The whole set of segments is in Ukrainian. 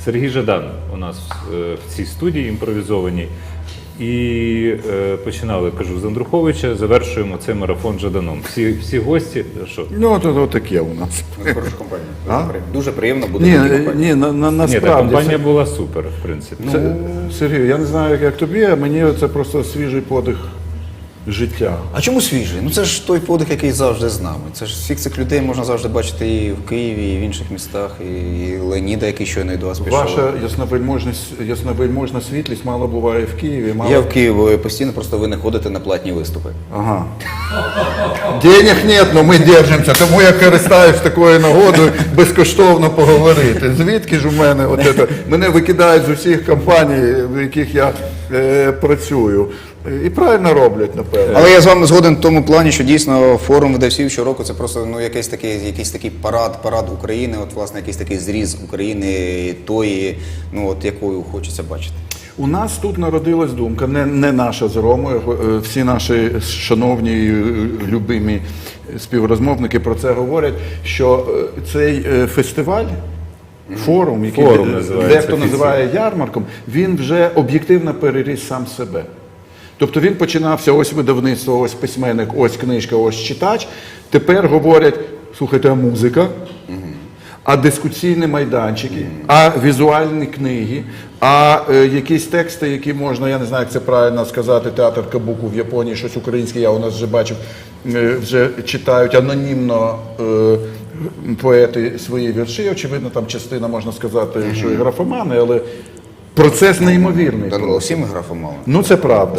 Сергій Жадан у нас в цій студії імпровізованій. І починали, кажу, з Андруховича, завершуємо цей марафон Жаданом. Всі гості, що? Ну, то таке у нас. Хороша компанія. Дуже приємно буде в такій компанії. Ні, та компанія була супер, в принципі. Сергій, я не знаю, як тобі, а мені це просто свіжий подих життя. А чому свіжий? Ну це ж той подих, який завжди з нами. Це ж всіх цих людей можна завжди бачити і в Києві, і в інших містах, і Леоніда, який щойно до вас пішов. Ваша ясновельможна світлість мало буває в Києві. Я в Києві постійно, просто ви не ходите на платні виступи. Ага. Денег нет, но ми держимося, тому я користаюсь такою нагодою безкоштовно поговорити. Звідки ж у мене мене викидають з усіх компаній, в яких я працюю. І правильно роблять, напевно. Але я з вами згоден в тому плані, що дійсно форум видавців щороку це просто якийсь такий парад України, власне, якийсь такий зріз України тої, якою хочеться бачити. У нас тут народилась думка, не наша з Ромою, всі наші шановні і любимі співрозмовники про це говорять, що цей фестиваль, форум, який дехто називає ярмарком, він вже об'єктивно переріс сам себе. Тобто він починався, ось видавництво, ось письменник, ось книжка, ось читач. Тепер говорять, слухайте, а музика, а дискусійні майданчики, а візуальні книги, а якісь тексти, які можна, я не знаю, як це правильно сказати, театр Кабуку в Японії, щось українське, я у нас вже бачив, вже читають анонімно поети свої вірші. Очевидно, там частина, можна сказати, що і графомани, але процес неймовірний. Всі ми графомали. Ну, це правда.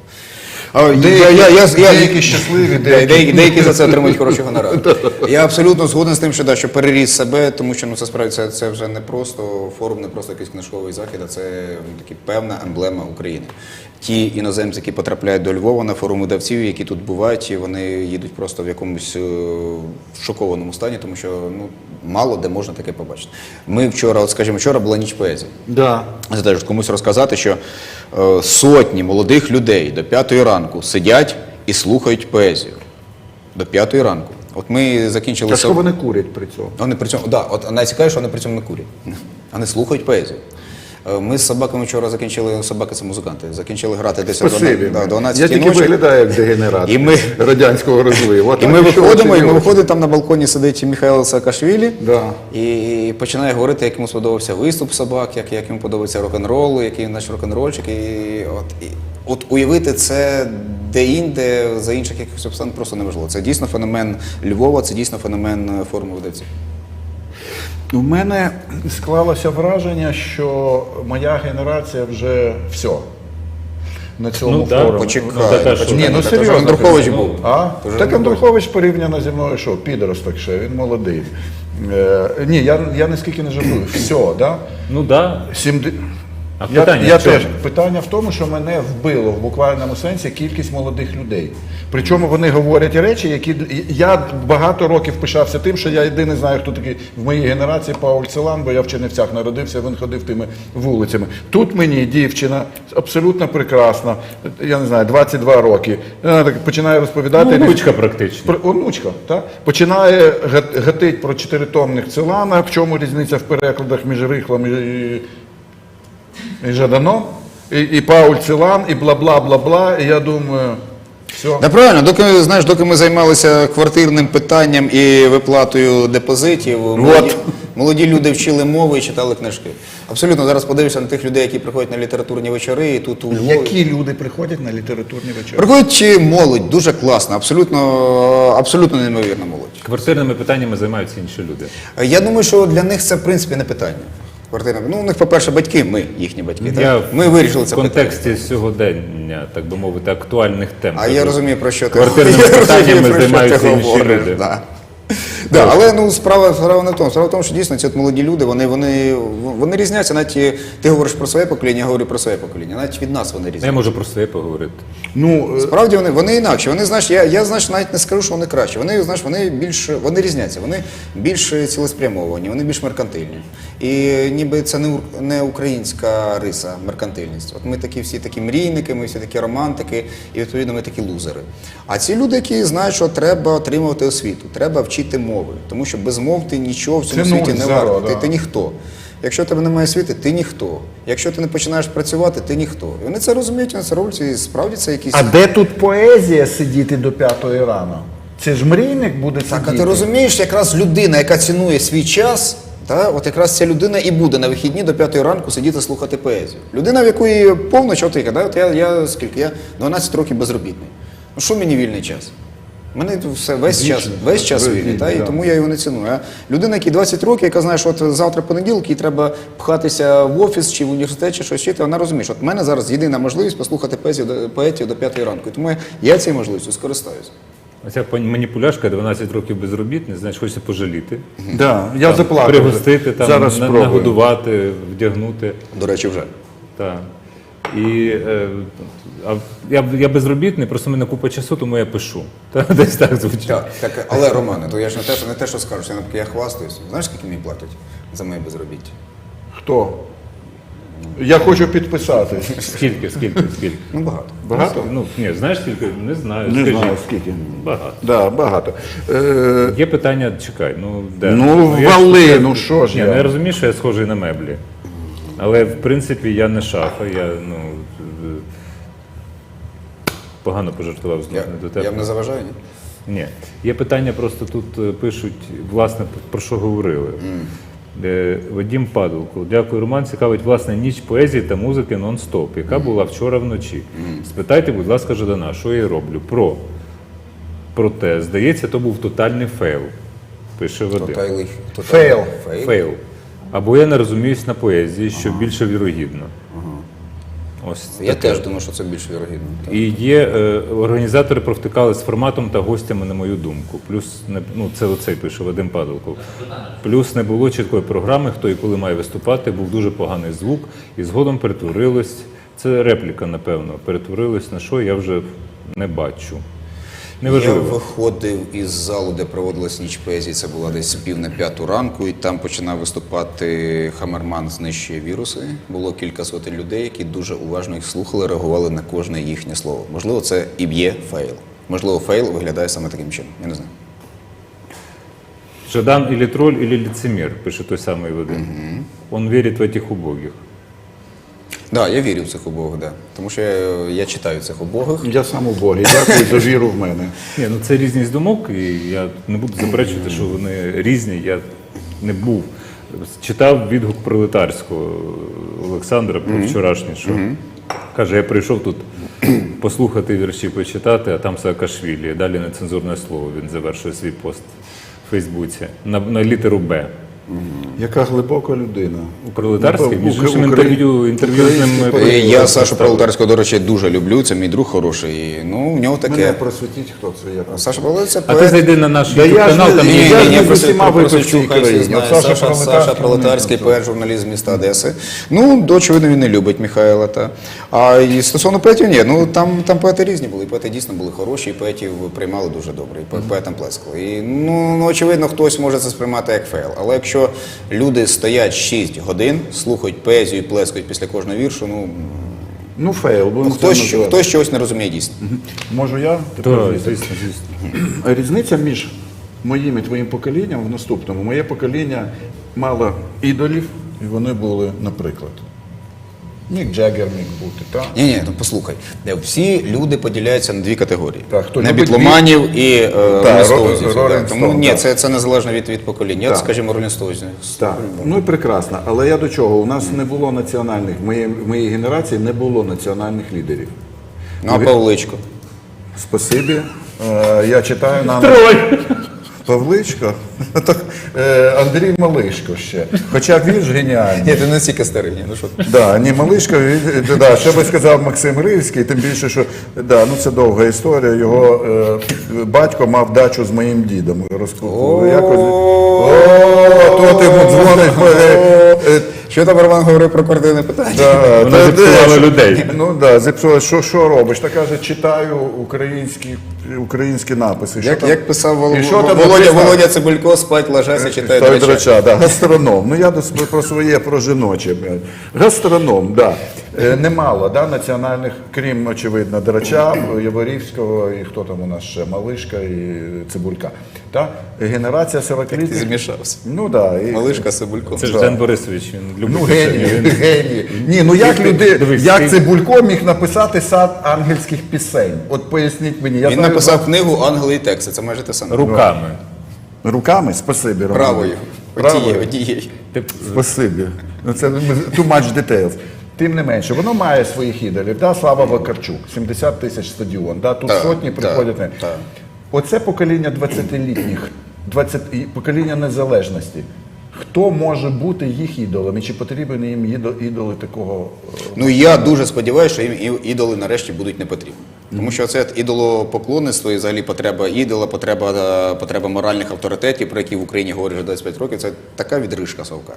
Деякі щасливі, деякі за це отримують хороші гонорари. Я абсолютно згоден з тим, що переріс себе, тому що це справді це вже не просто форум, не просто якийсь книжковий захід, а це певна емблема України. Ті іноземці, які потрапляють до Львова на форум видавців, які тут бувають, вони їдуть просто в якомусь шокованому стані, тому що мало де можна таке побачити. Ми вчора була ніч поезії. Да. Це теж комусь розказати, що сотні молодих людей до 5-ї ранку сидять і слухають поезію. До 5-ї ранку. От ми закінчили... А що вони курять при цьому? Вони при цьому, найцікавіше, що вони при цьому не курять. Вони слухають поезію. Ми з собаками вчора закінчили, собаки це музиканти, закінчили грати десь о 12 ночі. Я тільки виглядаю як дегенерат радянського розливу. І ми виходимо, там на балконі сидить Михайло Саакашвілі і починає говорити, як йому сподобався виступ собак, як йому подобається рок-н-рол, який він наш рок-н-рольчик. От уявити це де-інде, за інших якихось обставин просто неможливо. Це дійсно феномен Львова, це дійсно феномен форуму видавців. У мене склалося враження, що моя генерація вже все на цьому форумі. Почекай. Серйозно. Андрухович був. Так Андрухович порівняно зі мною, що, підросток ще, він молодий. Ні, я наскільки не жартую. Все, так? Ну так. А питання в тому, що мене вбило в буквальному сенсі кількість молодих людей. Причому вони говорять речі, які... Я багато років пишався тим, що я єдиний знаю, хто такий в моїй генерації Пауль Целан, бо я в Чернівцях народився, він ходив тими вулицями. Тут мені дівчина абсолютно прекрасна, я не знаю, 22 роки. Вона так починає розповідати... Онучка практично. Онучка, так? Починає гатить про 4-томних Целана, в чому різниця в перекладах між Рихлом і Жаданом, і Пауль Целан, і бла-бла-бла-бла, і я думаю, все. Правильно, доки ми займалися квартирним питанням і виплатою депозитів, молоді люди вчили мови і читали книжки. Абсолютно, зараз подивишся на тих людей, які приходять на літературні вечори, і тут у Львові. Які люди приходять на літературні вечори? Приходять молодь, дуже класна, абсолютно неймовірна молодь. Квартирними питаннями займаються інші люди. Я думаю, що для них це, в принципі, не питання. У них, по-перше, батьки, ми, їхні батьки. Ми вирішили це питання. В контексті сьогодення, так би мовити, актуальних тем. А я розумію, про що ти квартирними питаннями займаються інші люди. Але справа не в тому. Справа в тому, що дійсно ці молоді люди, вони різняться. Навіть ти говориш про своє покоління, я говорю про своє покоління. Навіть від нас вони різняться. Я можу про своє поговорити. Справді вони інакші. Вони, я навіть не скажу, що вони кращі. Вони різняться. Вони більш цілеспрямовані, вони більш меркантильні. І ніби це не українська риса, меркантильність. От ми всі такі мрійники, ми всі такі романтики, і відповідно ми такі лузери. А ці люди, які знають, що треба отримувати освіту, треба вчити мови, тому що без мов ти нічого в цьому світі не варто, ти ніхто. Якщо в тебе немає освіти, ти ніхто. Якщо ти не починаєш працювати, ти ніхто. І вони це розуміють, вони це роблять, і справді це якісь... А де тут поезія сидіти до 5-ї рано? Це ж мрійник буде сидіти. Так, а ти розумієш, якраз людина, яка цінує свій час, от якраз ця людина і буде на вихідні до 5-ї ранку сидіти слухати поезію. Людина, в якої повна чотика, от я скільки? Я 12 років безробітний. Ну що мені вільний час? У мене все, весь час вільний, і тому я його не ціную. А людина, якій 20 років, яка знає, що от завтра понеділок, їй треба пхатися в офіс чи в університет, чи щось вчити, вона розуміє, що от в мене зараз єдина можливість послухати поетів до 5-ї ранку. І тому я цією можливістю скористаюся. Оця маніпуляшка, 12 років безробітний, значить, хочеться пожаліти. Да, я заплакав. Пригостити, там, Зараз спробую. нагодувати, вдягнути. До речі, вже. Так. І я безробітний, просто в мене купа часу, тому я пишу. Десь так звучить. Так, але, Романе, то я ж не те, що скажу, я хвастаюсь. Знаєш, скільки мені платять за моє безробіття? Хто? Я хочу підписати. Скільки? Ну, багато. Багато? Ну, ні, знаєш скільки? Не знаю. Не Скажіть. знаю скільки. Багато. Да, багато. Є питання, чекай, де? Ну, я вали, ж- ну що ж Ні, я? ну, я розумію, що я схожий на меблі. Але, в принципі, я не шафа, я, погано пожартував знову до тебе. Я не заважаю, ні? Ні. Є питання, просто тут пишуть, власне, про що говорили. Вадим Падулко. Дякую, Роман. Цікавить, власне, ніч поезії та музики нон-стоп, яка була вчора вночі. Спитайте, будь ласка, Жадана, що я роблю? Проте, здається, то був тотальний фейл, пише Вадим. Фейл. Фейл. Або я не розуміюсь на поезії, що більше вірогідно. Ось Я таке. теж думаю, що це більш вірогідно. Так. І є організатори провтикали з форматом та гостями, на мою думку. Плюс це оцей пише Вадим Падалков. Плюс не було чіткої програми, хто і коли має виступати, був дуже поганий звук, і згодом перетворилось. Це репліка, напевно, перетворилось на що, я вже не бачу. Я Неважливо. виходив із залу, де проводилась ніч поезії, це була десь 4:45 ранку, і там починав виступати Хамерман «Знищує віруси». Було кілька сотень людей, які дуже уважно їх слухали, реагували на кожне їхнє слово. Можливо, це і є фейл. Можливо, фейл виглядає саме таким чином. Я не знаю. Жадан или тролль, или лицемер, пише той самий Вадим. Он вірить в этих убогих. Так, я вірю в цих убогих, да. Тому що я читаю цих убогих. Я сам у Богі. Дякую за віру в мене. Ні, це різність думок, і я не буду заперечувати, що вони різні. Я не був. Читав відгук пролетарського Олександра про вчорашнє, що каже, я прийшов тут послухати вірші, почитати, а там Саакашвілі. Далі нецензурне слово. Він завершує свій пост в Фейсбуці на літеру Б. Яка глибока людина. Пролетарський, між іншим інтерв'ю з ним. Я Сашу Пролетарського, до речі, дуже люблю, це мій друг хороший. І, в нього Мене таке. просвітіть, хто це є. Саша Пролетарський це А ти поет. зайди на наш Да YouTube я ж канал, там не- є. я ж не Ні, з усіма просто випивчі хай всі країні. знають. Саша Саша Пролетарський, Пролетарський, ну, поет, журналіст з міста Одеси. Очевидно, він не любить Михайла. А і стосовно поетів, ні, там поети різні були. І поети дійсно були хороші, і поетів приймали дуже добре, і поетам плескали. І, очевидно, хтось може це сприймати як фейл. Але якщо люди стоять 6 годин, слухають поезію і плескають після кожного віршу, Ну, фейл. будемо це називати. хтось чогось не розуміє дійсно. Можу я? Так, звісно. Різниця між моїм і твоїм поколінням в наступному. Моє покоління мало ідолів, і вони були, наприклад, Мік Джаггер міг бути, так? Ні, послухай. Всі люди поділяються на дві категорії. Так, хто на любить бітломанів і ролінстоузів. Rolling Тому Stone, ні, так. це незалежно від покоління. Так. Скажімо, ролінстоузів. Так. Ну і прекрасно. Але я до чого? У нас не було національних, в моїй генерації не було національних лідерів. А Павличко? Спасибі. Я читаю нам... Павличко? Андрій Малишко ще. Хоча він ж геніальний. Ні, ти не стільки старий. Ну що ти? Да, ні, Малишко, що би сказав Максим Ривський, тим більше, що це довга історія. Його батько мав дачу з моїм дідом. То ти йому дзвониш. Що там Роман говорив про квартирне питання? Вона зіпсувала людей. Ну так, зіпсувала. Що робиш? Та каже, читаю українські написи. Як писав І що там написано? Володя Цибулько, спать ложася, читає Ставить драча. драча, да. Гастроном. Я про своє, про жіноче. Гастроном, так. Да. Немало національних, крім, очевидно, Драча, Яворівського і хто там у нас ще, Малишка і Цибулька. Генерація 40-літніх. Ти змішався. Ну да. І... Малишка Цибулько. Це ж Ден Борисович, він любить Ну, пісень, геній, він- геній. Ні, ну як Дивись, як ти- Цибулько міг написати сад ангельських пісень? От поясніть мені. Я Він знаю, написав книгу «Ангели і тексти». Це майже те саме. руками. руками, спасибі, Роман. Правою. Правою. Одією. Ти Спасибі. Ну, це too much details. Тим не менше, воно має своїх ідолів. Слава Вакарчук, 70 тисяч стадіон. Тут Так, сотні так, приходять. так. Оце покоління 20-літніх, і покоління незалежності. Хто може бути їх ідолом? І чи потрібні їм ідоли такого? Ну я дуже сподіваюся, що їм ідоли нарешті будуть не потрібні. Тому що це ідолопоклонництво і взагалі потреба ідола, потреба моральних авторитетів, про які в Україні говорять вже 25 років, це така відрижка совка.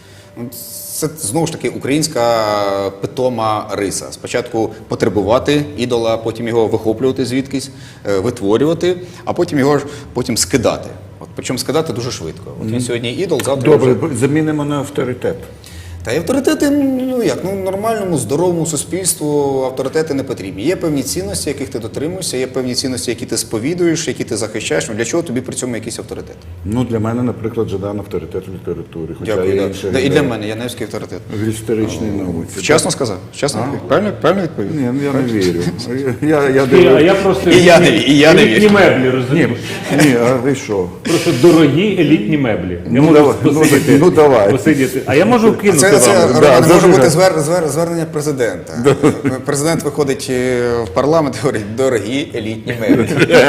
Це знову ж таки українська питома риса. Спочатку потребувати ідола, потім його вихоплювати звідкись, витворювати, а потім його скидати. Причому скидати дуже швидко. От він сьогодні ідол, завтра вже... Добре, замінимо на авторитет. Та й авторитети, нормальному, здоровому суспільству авторитети не потрібні. Є певні цінності, яких ти дотримуєшся, є певні цінності, які ти сповідуєш, які ти захищаєш. Для чого тобі при цьому якийсь авторитет? Ну, для мене, наприклад, Жадан авторитет в літературі. Хоча Дякую. є Да. інші Да, і ідеї. для мене, я невський авторитет. В історичній науці. Вчасно сказав? Вчасно відповів? Правильно відповів? Ні, я не вірю. Я А дивлюсь. я просто І я не елітні вірю. меблі, розумієш? Ні, а ви що? Просто дорогі елітні меблі. Я Ну, можу давай, посидіти, ну, давай. посидіти. А я можу кинути Це вам. Роман, Да, може дуже бути гарно. звернення президента. Президент виходить в парламент і говорить, дорогі елітні меблі.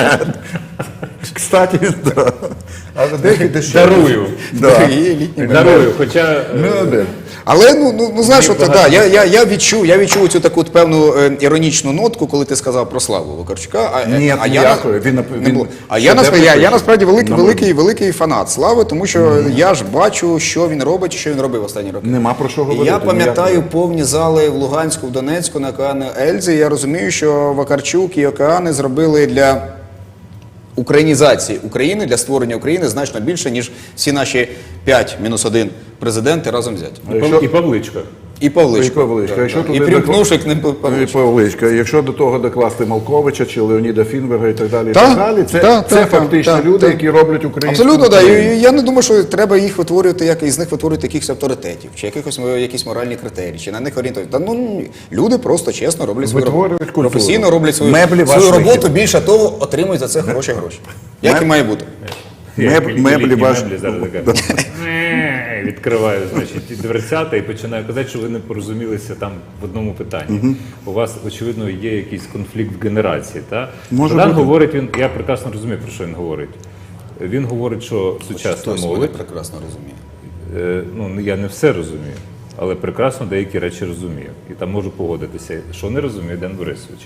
Кстати, да. А деякі дешеві. Дарую. Да. Дорогі елітні меблі. Дарую, хоча Ну, Але знаєш, я відчув цю таку певну іронічну нотку, коли ти сказав про Славу Вакарчука. Ні, ніякої. Я насправді великий фанат Слави, тому що я ж бачу, що він робить, що він робив останні роки. Нема про що І говорити. я пам'ятаю ніякої. повні зали в Луганську, в Донецьку, на океані Ельзи. І я розумію, що Вакарчук і океани зробили для українізації України, для створення України значно більше, ніж всі наші 5-1 президенти разом взяті. і Павличка. І Павличко. І Павличко. Якщо І туди примкнувши к ним І Павличко. Павличка. Якщо до того докласти Малковича чи Леоніда Фінберга і так далі, Та, це фактично люди, які роблять українську Абсолютно, так. Україну. І я не думаю, що треба їх витворювати, із них витворювати якихось авторитетів, чи якісь моральні критерії, чи на них орієнтувати. Люди просто чесно роблять свою роботу. Витворюють культуру. Професійно роблять свою Меблі роботу, вашої. більше того, отримують за це хороші гроші. Як і має бути. Меблі Елітні ваш- меблі зараз така. Відкриваю, значить, дверцята і починаю казати, що ви не порозумілися там в одному питанні. У вас, очевидно, є якийсь конфлікт в генерації. Та? Може Жадан бути. говорить, я прекрасно розумію, про що він говорить. Він говорить, що сучасна Хтось мене молодь, прекрасно розуміє. я не все розумію, але прекрасно деякі речі розумію. І там можу погодитися, що не розуміє Ден Борисович.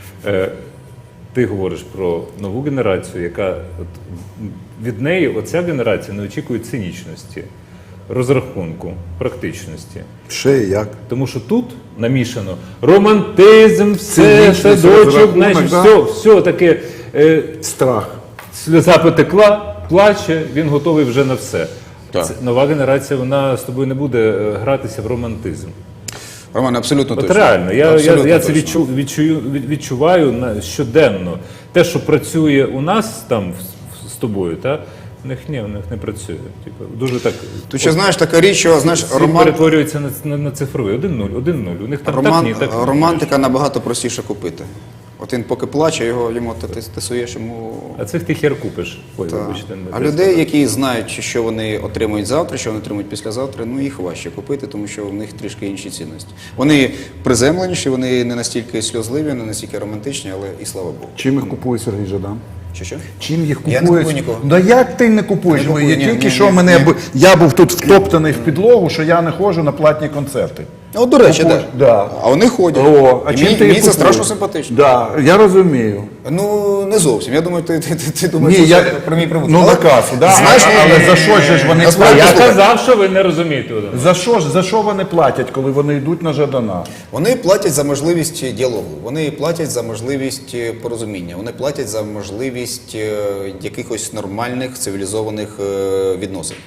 Ти говориш про нову генерацію, яка від неї, оця генерація не очікує цинічності, розрахунку, практичності. Ще і як. Тому що тут намішано романтизм, все, Цинічність, садочок, розрахунок, значить, да. все таке. Страх. Сльоза потекла, плаче, він готовий вже на все. Так. Нова генерація, вона з тобою не буде гратися в романтизм. Роман, абсолютно От точно. реально, я Абсолютно це точно. відчуваю щоденно. Те, що працює у нас там з тобою, в них не працює. Дуже так. Тут ще знаєш така річ, що знаєш, Світ перетворюється на цифровий. 1-0. У них там так ні, так ні. романтика набагато простіше купити. От він поки плаче, йому ти суєш йому. А цих ти хер купиш. Ой, Так. вибачте, не А те людей, сказав. які знають, що вони отримують завтра, що вони отримують післязавтра, їх важче купити, тому що в них трішки інші цінності. Вони приземленіші, вони не настільки сльозливі, не настільки романтичні, але і слава Богу. Чим їх купує Сергій Жадан? Що? Чим їх Я купують? не купую нікого. Да як ти не купуєш? Не купую, Я ні, тільки ні, що ні, ні. я був тут втоптаний в підлогу, що я не ходжу на платні концерти. От, до речі, Купуєш, да. да. А вони ходять. А І чим мені, ти їх мені це купуєш? страшно симпатично. Да, я розумію. Ну, не зовсім. Я думаю, ти думаєш, Ні, що я, це про мій прибуток. ну на Але, касу, да? знаєш, але за що ж вони насправді, Я платять? казав, що ви не розумієте. Володимир. За що вони платять, коли вони йдуть на Жадана? Вони платять за можливість діалогу, вони платять за можливість порозуміння, вони платять за можливість якихось нормальних цивілізованих відносин.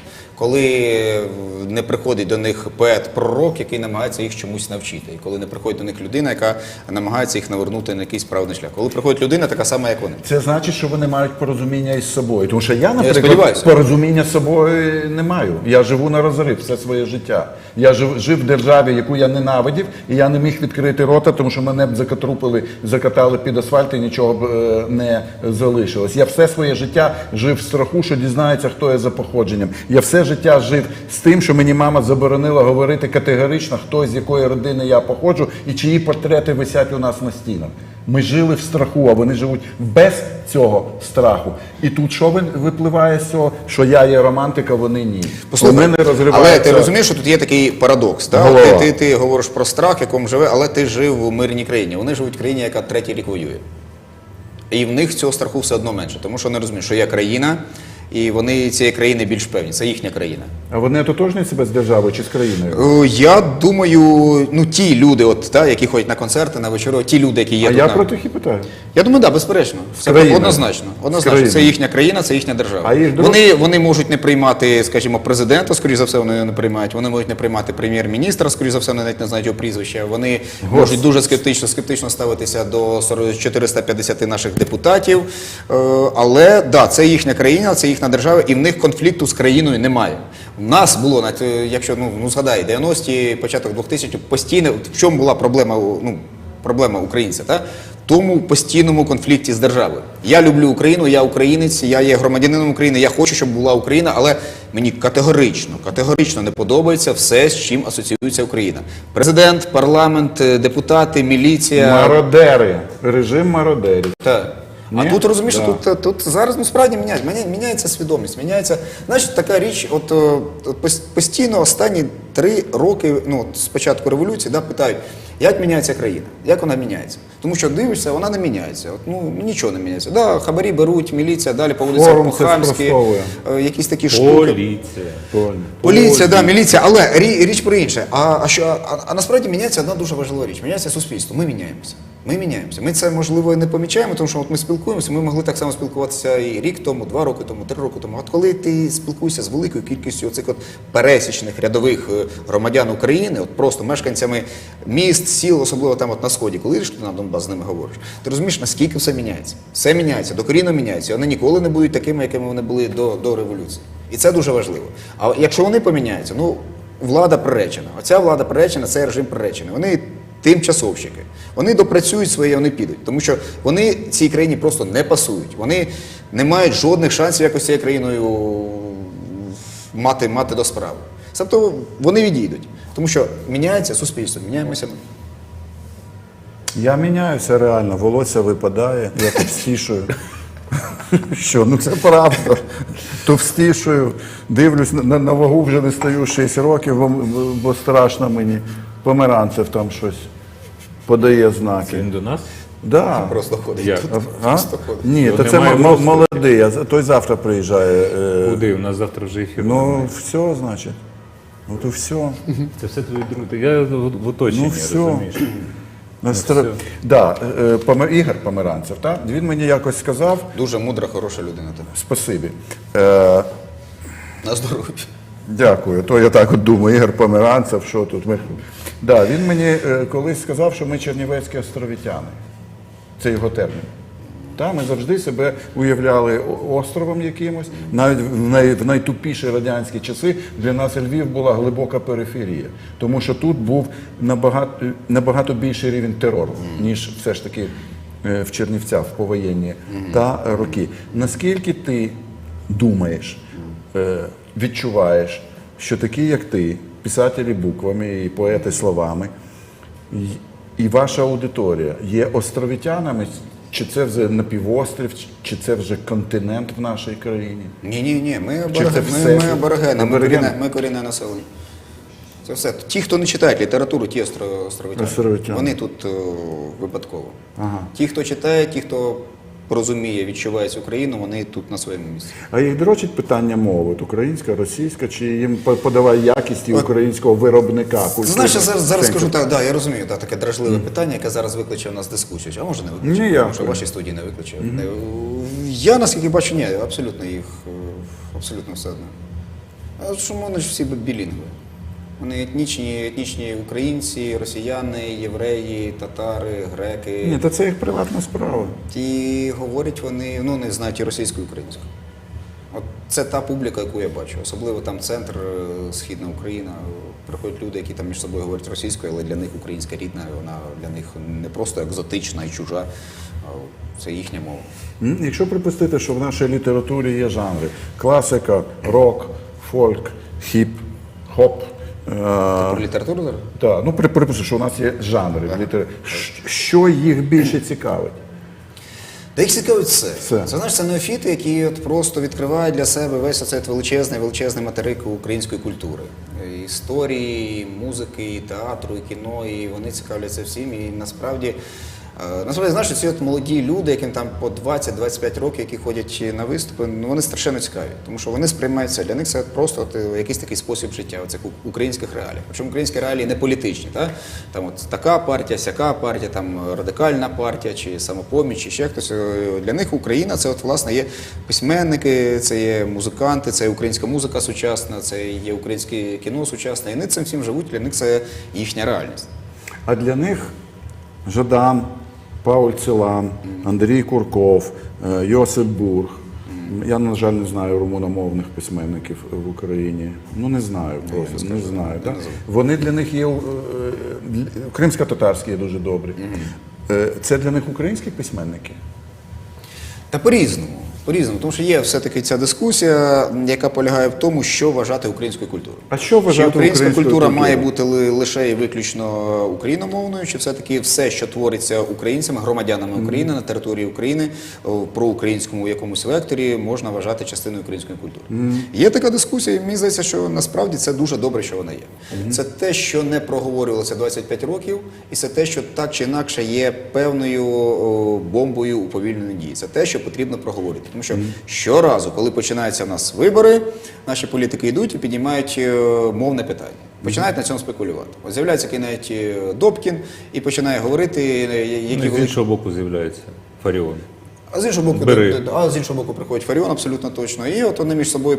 коли не приходить до них поет-пророк, який намагається їх чомусь навчити, і коли не приходить до них людина, яка намагається їх навернути на якийсь правильний шлях. Коли приходить людина, така сама, як вони. Це значить, що вони мають порозуміння із собою. Тому що я, наприклад, сподіваюся. порозуміння з собою не маю. Я живу на розрив все своє життя. Я жив в державі, яку я ненавидів, і я не міг відкрити рота, тому що мене б закатрупили, закатали під асфальт і нічого б не залишилось. Я все своє життя жив в страху, що дізнається, хто я за походженням. Я все життя жив з тим, що мені мама заборонила говорити категорично, хто з якої родини я походжу і чиї портрети висять у нас на стінах. Ми жили в страху, а вони живуть без цього страху. І тут що випливає з цього? Що я є романтик, а вони ні. У мене але розривається... ти розумієш, що тут є такий парадокс. Голова. Ти говориш про страх, в якому живе, але ти жив у мирній країні. Вони живуть в країні, яка 3-й рік воює. І в них цього страху все одно менше, тому що вони розуміють, що є країна, і вони цієї країни більш певні. Це їхня країна. А вони ототожнюють себе з державою чи з країною? Я думаю, ну ті люди, які ходять на концерти, на вечори, ті люди, які є А тут. я про тих і питаю. Я думаю, так, безперечно. Це країною. однозначно. країною. Це їхня країна, це їхня держава. А їх Вони можуть не приймати, скажімо, президента, скоріш за все, вони не приймають. Вони можуть не приймати прем'єр-міністра, скоріш за все, вони навіть не знають його прізвища. Вони можуть дуже скептично ставитися до 450 наших депутатів. Але, да, це їхня країна, це їхня держава, і в них конфлікту з країною немає. У нас було, якщо, згадай, 90-ті, початок 2000-х, постійно, в чому була проблема українця, та? Тому постійному конфлікті з державою. Я люблю Україну, я українець, я є громадянином України, я хочу, щоб була Україна, але мені категорично не подобається все, з чим асоціюється Україна. Президент, парламент, депутати, міліція. Мародери. Режим мародерів. Так. А Ні? тут, розумієш, Да. тут зараз справді міняється свідомість, міняється, знаєш, така річ, постійно останні 3 роки, з початку революції, питають, як міняється країна, як вона міняється. Тому що дивишся, вона не міняється, нічого не міняється. Да, хабарі беруть, міліція, далі по вулицях Форум це по-хамськи, спростовує. якісь такі штуки. Поліція, да, міліція, але річ про інше. А насправді міняється одна дуже важлива річ. Міняється суспільство. Ми міняємося. Ми це, можливо, і не помічаємо, тому що ми спілкуємося, ми могли так само спілкуватися і рік тому, 2 роки тому, 3 роки тому. От коли ти спілкуєшся з великою кількістю оцих пересічних рядових громадян України, просто мешканцями міст, сіл, особливо там на Сході, коли ти на Донбас з ними говориш, ти розумієш, наскільки все міняється. Все міняється, докорінно міняється. Вони ніколи не будуть такими, якими вони були до революції. І це дуже важливо. А якщо вони поміняються, влада приречена. Оця влада приречена, цей режим приречений. Вони тимчасовщики. Вони допрацюють своє, вони підуть. Тому що вони цій країні просто не пасують. Вони не мають жодних шансів якось цією країною мати до справи. Тобто вони відійдуть. Тому що міняється суспільство, міняємося ми. Я міняюся реально, волосся випадає, я товстішую. Що, це правда. Товстішую, дивлюсь, на вагу вже не стою 6 років, бо страшно мені. Померанцев там щось подає знаки. Він до нас? Да. Просто ходить Як? тут. А? Просто ходить. Ні, Його то це немає просто. молодий, той завтра приїжджає. Куди? У нас завтра вже ефір. Ну, все, значить. То все. Це все твої друзі. Я в оточенні, все. розумієш? Да, Ігор Померанцев, так? Він мені якось сказав, Дуже мудра, хороша людина. спасибі. На здоров'я. Дякую. То я так от думаю, Ігор Померанцев, що тут ми. Да, він мені колись сказав, що ми чернівецькі островітяни. Це його термін. Ми завжди себе уявляли островом якимось. Навіть в найтупіші радянські часи для нас Львів була глибока периферія. Тому що тут був набагато більший рівень терору, ніж все ж таки в Чернівцях, в повоєнні роки. Наскільки ти думаєш, відчуваєш, що такі, як ти, писателі буквами і поети словами, і ваша аудиторія є островітянами, чи це вже напівострів, чи це вже континент в нашій країні? Ні, ми аборигени, ми корінне населення. Це все. Ті, хто не читають літературу, ті островитяни. Вони тут випадково. Ага. Ті, хто читає, ті, хто розуміє, відчуває цю країну, вони тут на своєму місці. А їх дрочить питання мови, українська, російська, чи їм подавай якість українського виробника? Знаєш, я зараз скажу так, я розумію, таке дражливе питання, яке зараз викличе у нас дискусію. А може не викличе? Ніяк. Тому що в вашій студії не викличе. Я, наскільки бачу, ні, абсолютно їх, абсолютно все одно. А чому вони ж всі білінгви? Вони етнічні українці, росіяни, євреї, татари, греки. Ні, та це їх приватна справа. І говорять вони, не знають і російську, і українську. От це та публіка, яку я бачу. Особливо там центр, Східна Україна. Приходять люди, які там між собою говорять російською, але для них українська рідна, вона для них не просто екзотична і чужа, а це їхня мова. Якщо припустити, що в нашій літературі є жанри: класика, рок, фольк, хіп, хоп. Про літературу зараз? Так, припустимо, що у нас є жанри. Що їх більше цікавить? Та їх цікавить все. Все. Це, знаєш, це неофіти, які от просто відкривають для себе весь оцей величезний материк української культури. І історії, і музики, і театру, і кіно, і вони цікавляться всім. І насправді, знаєш, ці от молоді люди, яким там по 20-25 років, які ходять на виступи, вони страшенно цікаві. Тому що вони сприймаються, для них це просто якийсь такий спосіб життя, оцих українських реалій. Причому українські реалії не політичні. Там от така партія, сяка партія, там радикальна партія, чи самопоміч, чи ще хтось. Для них Україна – це от, власне, є письменники, це є музиканти, це є українська музика сучасна, це є українське кіно сучасне. І вони цим всім живуть, для них це їхня реальність. А для них Жадан, Пауль Целан, Андрій Курков, Йосип Бург. Я, на жаль, не знаю румуномовних письменників в Україні. Не знаю просто, не знаю. Так? Вони для них є, кримсько-татарські є дуже добрі. Це для них українські письменники? Та по-різному. По-різному, тому що є все-таки ця дискусія, яка полягає в тому, що вважати українською культурою. А що вважати Чи українська українською культура культурою? має бути лише і виключно україномовною, чи все-таки все, що твориться українцями, громадянами України на території України, про українському якомусь векторі, можна вважати частиною української культури? Є така дискусія, і мені здається, що насправді це дуже добре, що вона є. Це те, що не проговорювалося 25 років, і це те, що так чи інакше є певною бомбою уповільненої дії. Це те, що потрібно проговорити. Тому що щоразу, коли починаються в нас вибори, наші політики йдуть і піднімають мовне питання. Починають на цьому спекулювати. От з'являється навіть Добкін і починає говорити, які З іншого боку з'являється Фаріон. А з іншого боку приходить Фаріон, абсолютно точно. І от вони між собою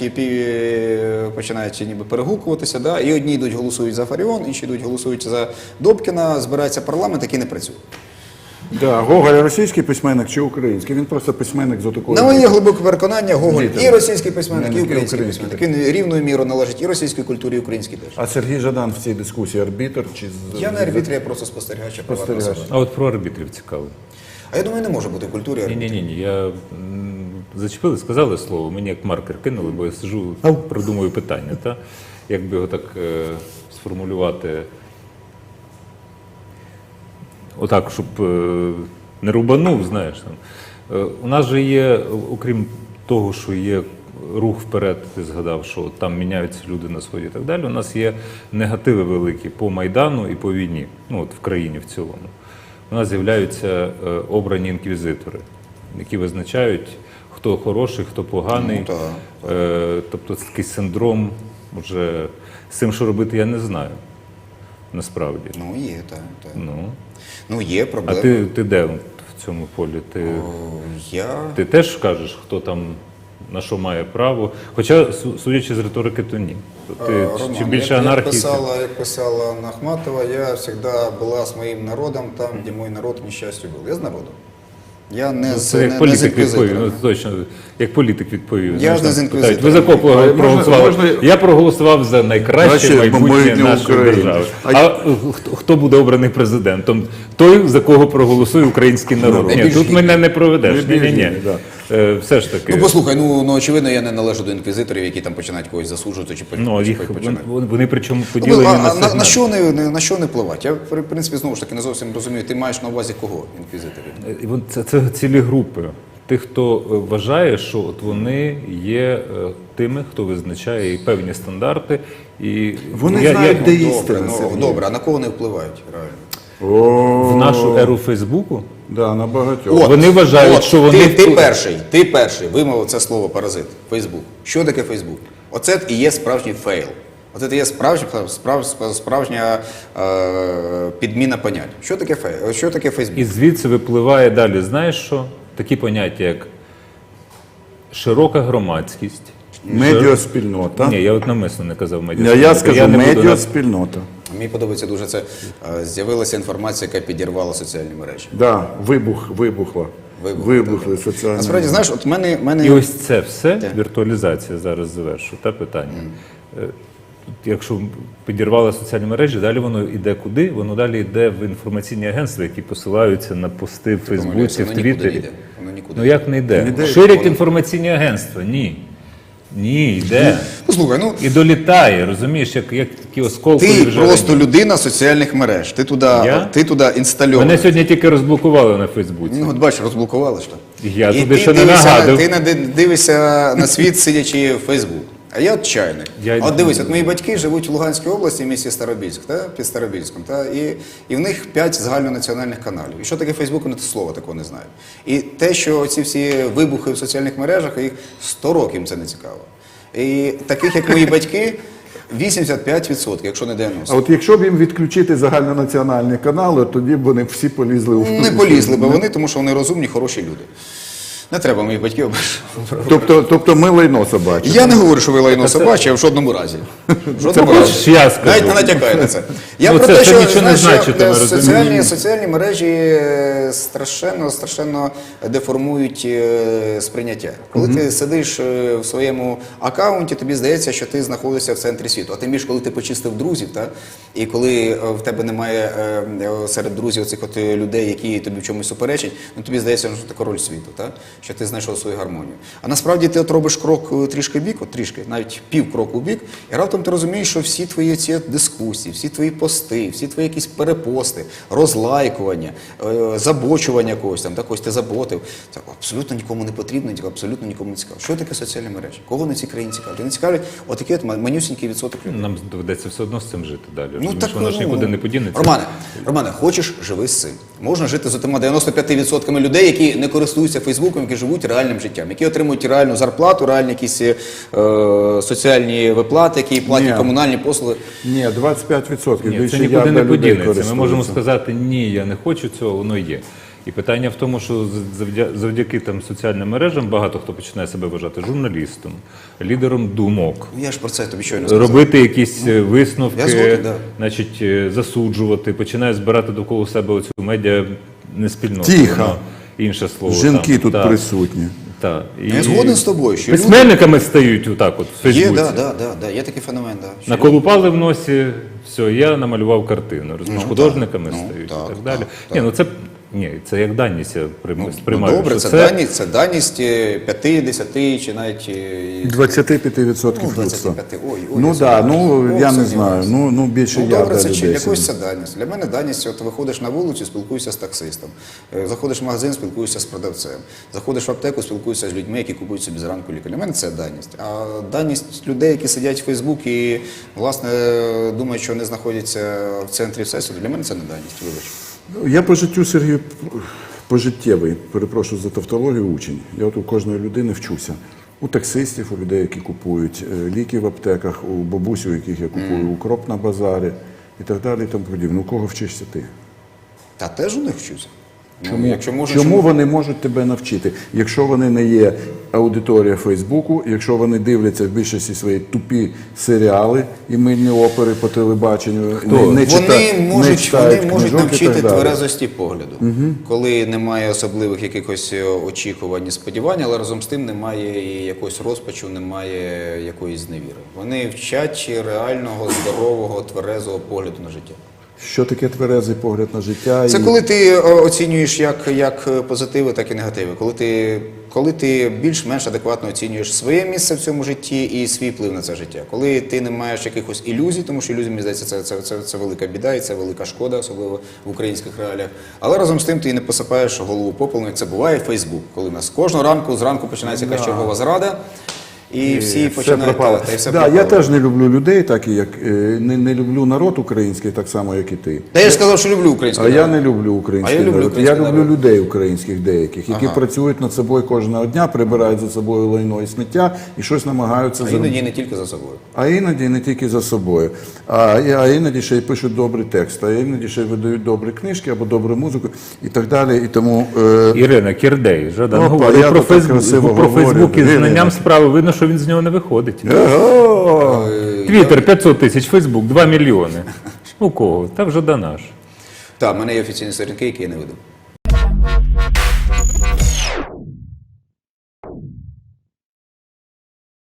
починають ніби перегукуватися. І одні йдуть голосують за Фаріон, інші йдуть голосують за Добкіна, збирається парламент, який не працює. Да, Гоголь російський письменник чи український? Він просто письменник з отакою. На моє глибоке переконання, Гоголь Ні, і російський письменник, і український український письменник. Він рівною мірою належить і російській культурі, і українській теж. А Сергій Жадан в цій дискусії арбітр? Я не арбітр, я просто спостерігач. Спостерігач. А от про арбітрів цікаво. А я думаю, не може бути в культурі арбітрів. Ні. Я зачепили, сказали слово, мені як маркер кинули, бо я сижу, продумую питання, як би його так сформулювати. Отак, щоб не рубанув, знаєш. У нас же є, окрім того, що є рух вперед, ти згадав, що там міняються люди на сході і так далі, у нас є негативи великі по Майдану і по війні, в країні в цілому. У нас з'являються обрані інквізитори, які визначають, хто хороший, хто поганий. Тобто це такий синдром, вже з цим, що робити, я не знаю, насправді. Є, так. Є А проблема. ти де в цьому полі? Ти теж кажеш, хто там на що має право? Хоча, судячи з риторики, то ні. Роман, Чим більше як анархії... Як писала Ахматова, я завжди була з моїм народом там, де мій народ нещастю був. Я з народом. Я не Це як з політик відповів, інквізитором. точно, як політик відповів. Я ж не з інквізитором. Ви за кого проголосували? можна- Я проголосував за найкраще майбутнє майбутнє нашої України. держави. А хто буде обраний президентом? Той, за кого проголосує український народ. Ні, Найбільш тут гідний. мене не проведеш. Найбільш Ні. гідний, да. Все ж таки. Послухай, очевидно, я не належу до інквізиторів, які там починають когось засуджувати чи починають. Вони причому поділені на сегменти. На що не впливати? Я, в принципі, знову ж таки не зовсім розумію, ти маєш на увазі кого інквізиторів? Це цілі групи. Тих, хто вважає, що от вони є тими, хто визначає і певні стандарти. І Вони знають, де істина. Добре, а на кого не впливають реально? В нашу еру Фейсбуку Да, на багатьох. вони вважають, що вони... Ти перший вимовив це слово паразит. Фейсбук. Що таке Фейсбук? Оце і є справжній фейл. Оце і є справжня підміна понять. Що таке фейл? Що таке Фейсбук? І звідси випливає далі, знаєш що? Такі поняття, як широка громадськість, Медіаспільнота. Ні, я от намисно не казав А медіаспільнота. я скажу не буду медіаспільнота. Мені подобається дуже це. З'явилася інформація, яка підірвала соціальні мережі. Да, вибухли соціальні. Насправді, знаєш, от мене... І ось це все, віртуалізація, зараз завершу, те питання. Якщо підірвали соціальні мережі, далі воно йде куди? Воно далі йде в інформаційні агентства, які посилаються на пости в Фейсбуці, в воно нікуди не Твіттері. йде. Воно нікуди Ну як не йде? Ширять інформаційні агентства? Ні. Ні, йде. Ну, слухай, ну, І долітає, розумієш, як такі осколкові ти вже просто людина соціальних мереж. Ти туди інстальований. Мене сьогодні тільки розблокували на Фейсбуці. Ну, от бачиш, розблокували ж то. Я І туди ти ще не дивишся, нагадав. ти дивишся на світ, сидячи в Фейсбук. А я от чайник. От дивись, от мої батьки живуть в Луганській області, в місті Старобільськ, під Старобільськом, і в них 5 загальнонаціональних каналів. І що таке Фейсбук, вони слова такого не знають. І те, що ці всі вибухи в соціальних мережах, їх 100 років їм це не цікаво. І таких, як мої батьки, 85%, якщо не 90%. А от якщо б їм відключити загальнонаціональні канали, тоді б вони всі полізли у Не полізли б вони, тому що вони розумні, хороші люди. Не треба моїх батьків ображати. Тобто ми лайно собаче. Я не говорю, що ви лайно собаче, а в жодному разі. В жодному разі. Хочеш, я скажу. Навіть не натякай на це. Я Ну, про це те, що, нічого не знаєш, значить, що, ми розуміємо. соціальні мережі страшенно деформують сприйняття. Коли ти сидиш в своєму аккаунті, тобі здається, що ти знаходишся в центрі світу. А тим більше, коли ти почистив друзів, і коли в тебе немає серед друзів цих от людей, які тобі в чомусь суперечать, ну тобі здається, що ти король світу, що ти знайшов свою гармонію. А насправді ти от робиш крок трішки бік, навіть пів кроку в бік, і раптом ти розумієш, що всі твої ці дискусії, всі твої пости, всі твої якісь перепости, розлайкування, забочування когось, когось ти заботив, це абсолютно нікому не потрібно, абсолютно нікому не цікаво. Що таке соціальні мережі? Кого на цій країні цікавлять? Не цікавлять отакий от манюсінький відсоток людей. Нам доведеться все одно з цим жити далі. Ну, так, воно ж нікуди не подінеться. Романе, хочеш – живи з цим. Можна жити з отима 95% людей, які не користуються Фейсбуком, які живуть реальним життям, які отримують реальну зарплату, реальні якісь соціальні виплати, які платять комунальні послуги. Ні, 25%. Ні, Більше це нікуди не людей подінеться. Ми користуються. можемо сказати, ні, я не хочу цього, воно є. І питання в тому, що завдяки там соціальним мережам багато хто починає себе вважати журналістом, лідером думок. Я ж про це тобі щойно сказав. Робити якісь Я висновки, згоден, да. значить, засуджувати, починає збирати довкола себе оцю медіа неспільноту. Тихо. Воно інше слово. Жінки тут так. присутні. Так. Я згоден з тобою, що люди... Письменниками стають отак от в Фейсбуці. Є такий феномен. Що Наколупали в носі, все, я намалював картину. Розумієш, Ну, художниками так, стають так, і так далі. так. Це як даність я сприймаю. добре, що це даність 5, 10 чи навіть... 25% людства. 25. Ну так, я не знаю. Ну більше я добре, це людей. для когось це даність. Для мене даність, от виходиш на вулицю, спілкуєшся з таксистом. Заходиш в магазин, спілкуєшся з продавцем. Заходиш в аптеку, спілкуєшся з людьми, які купують собі зранку ліки. Для мене це даність. А даність людей, які сидять в Фейсбук і, власне, думають, що вони знаходяться в центрі всесвіту, для мене це не даність, вибач. Я по життю, Сергій, пожиттєвий, перепрошую за тавтологію, учень. Я от у кожної людини вчуся. У таксистів, у людей, які купують ліки в аптеках, у бабусь, у яких я купую укроп на базарі і так далі і тому подібне. У кого вчишся ти? Та теж у них вчуся. Чому вони можуть тебе навчити? Якщо вони не є аудиторія Фейсбуку, якщо вони дивляться в більшості свої тупі серіали і мильні опери по телебаченню, Вони можуть книжок і навчити так далі. тверезості погляду, коли немає особливих якихось очікувань і сподівань, але разом з тим немає і якогось розпачу, немає якоїсь зневіри. Вони вчать реального, здорового, тверезого погляду на життя. Що таке тверезий погляд на життя? Це коли ти оцінюєш як позитиви, так і негативи. Коли ти більш-менш адекватно оцінюєш своє місце в цьому житті і свій вплив на це життя. Коли ти не маєш якихось ілюзій, тому що ілюзії, мені здається, це велика біда і це велика шкода, особливо в українських реаліях. Але разом з тим ти не посипаєш голову попелом, як це буває в Фейсбук, коли у нас кожного зранку починається якась чергова зрада. І всі починають та й все пропало. Я теж не люблю людей, так і як не люблю народ український, так само, як і ти. Та я ж сказав, що люблю український народ. Я не люблю український народ. Я люблю людей українських деяких, які працюють над собою кожного дня, прибирають за собою лайно і сміття і щось намагаються зробити. А іноді не тільки за собою. А іноді не тільки за собою. А іноді ще й пишуть добрі тексти, а іноді ще й видають добрі книжки або добру музику і так далі. І тому... Ірина Кірдей, Жадан я говорить про так красиво Фейсбук і говорю. знанням справи. Видно, що що він з нього не виходить. Ого! Твіттер 500 тисяч, Фейсбук 2 мільйони. У кого? Та вже до наш. Так, в мене є офіційні сторінки, які я не веду.